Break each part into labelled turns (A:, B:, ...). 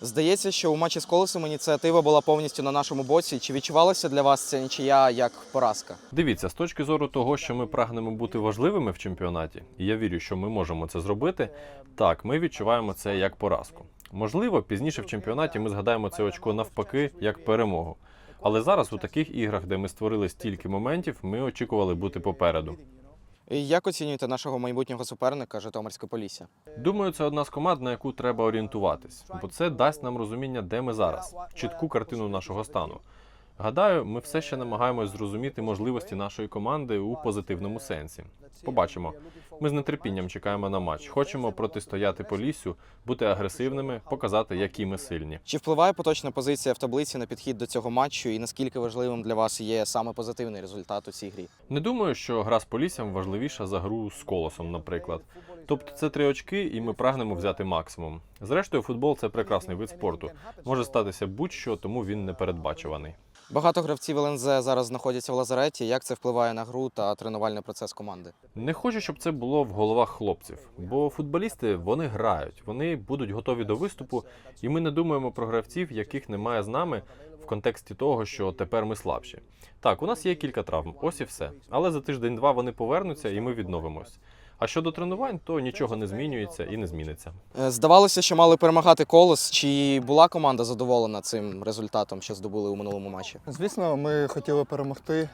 A: Здається, що у матчі з Колосом ініціатива була повністю на нашому боці. Чи відчувалася для вас ця нічия як поразка?
B: Дивіться, з точки зору того, що ми прагнемо бути важливими в чемпіонаті, і я вірю, що ми можемо це зробити, так, ми відчуваємо це як поразку. Можливо, пізніше в чемпіонаті ми згадаємо це очко навпаки, як перемогу. Але зараз у таких іграх, де ми створили стільки моментів, ми очікували бути попереду.
A: Як оцінюєте нашого майбутнього суперника Житомирське Полісся?
B: Думаю, це одна з команд, на яку треба орієнтуватись, бо це дасть нам розуміння, де ми зараз, чітку картину нашого стану. Гадаю, ми все ще намагаємось зрозуміти можливості нашої команди у позитивному сенсі. Побачимо. Ми з нетерпінням чекаємо на матч. Хочемо протистояти Поліссю, бути агресивними, показати, які ми сильні.
A: Чи впливає поточна позиція в таблиці на підхід до цього матчу і наскільки важливим для вас є саме позитивний результат у цій грі?
B: Не думаю, що гра з Поліссям важливіша за гру з Колосом, наприклад. Тобто це 3 очки, і ми прагнемо взяти максимум. Зрештою, футбол – це прекрасний вид спорту. Може статися будь-що, тому він непередбачуваний.
A: Багато гравців ЛНЗ зараз знаходяться в лазареті. Як це впливає на гру та тренувальний процес команди?
B: Не хочу, щоб це було в головах хлопців, бо футболісти, вони грають, вони будуть готові до виступу, і ми не думаємо про гравців, яких немає з нами в контексті того, що тепер ми слабші. Так, у нас є кілька травм, ось і все. Але за тиждень-два вони повернуться і ми відновимось. А щодо тренувань, то нічого не змінюється і не зміниться.
A: Здавалося, що мали перемагати Колос. Чи була команда задоволена цим результатом, що здобули у минулому матчі?
C: Звісно, ми хотіли перемогти,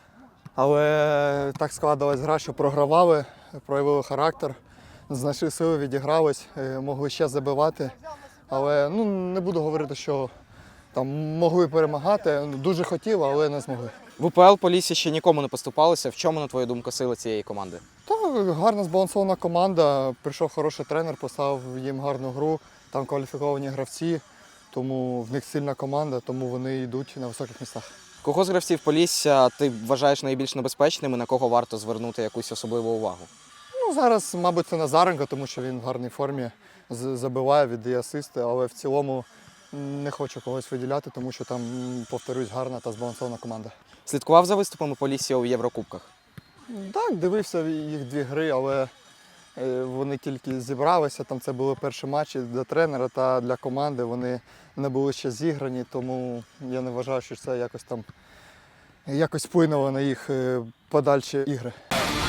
C: але так складалась гра, що програвали, проявили характер, знайшли сили, відігрались, могли ще забивати. Але не буду говорити, що там могли перемагати. Дуже хотіли, але не змогли.
A: В УПЛ Полісся ще нікому не поступалося. В чому, на твою думку, сила цієї команди?
C: Гарна збалансована команда, прийшов хороший тренер, поставив їм гарну гру, там кваліфіковані гравці, тому в них сильна команда, тому вони йдуть на високих місцях.
A: Кого з гравців Полісся ти вважаєш найбільш небезпечним і на кого варто звернути якусь особливу увагу?
C: Зараз, мабуть, це Назаренко, тому що він в гарній формі, забиває, віддає асисти, але в цілому не хочу когось виділяти, тому що там, повторюсь, гарна та збалансована команда.
A: Слідкував за виступами Полісся у Єврокубках?
C: Так, дивився їх 2 гри, але вони тільки зібралися, там це були перші матчі для тренера та для команди, вони не були ще зіграні, тому я не вважаю, що це якось вплинуло на їх подальші ігри.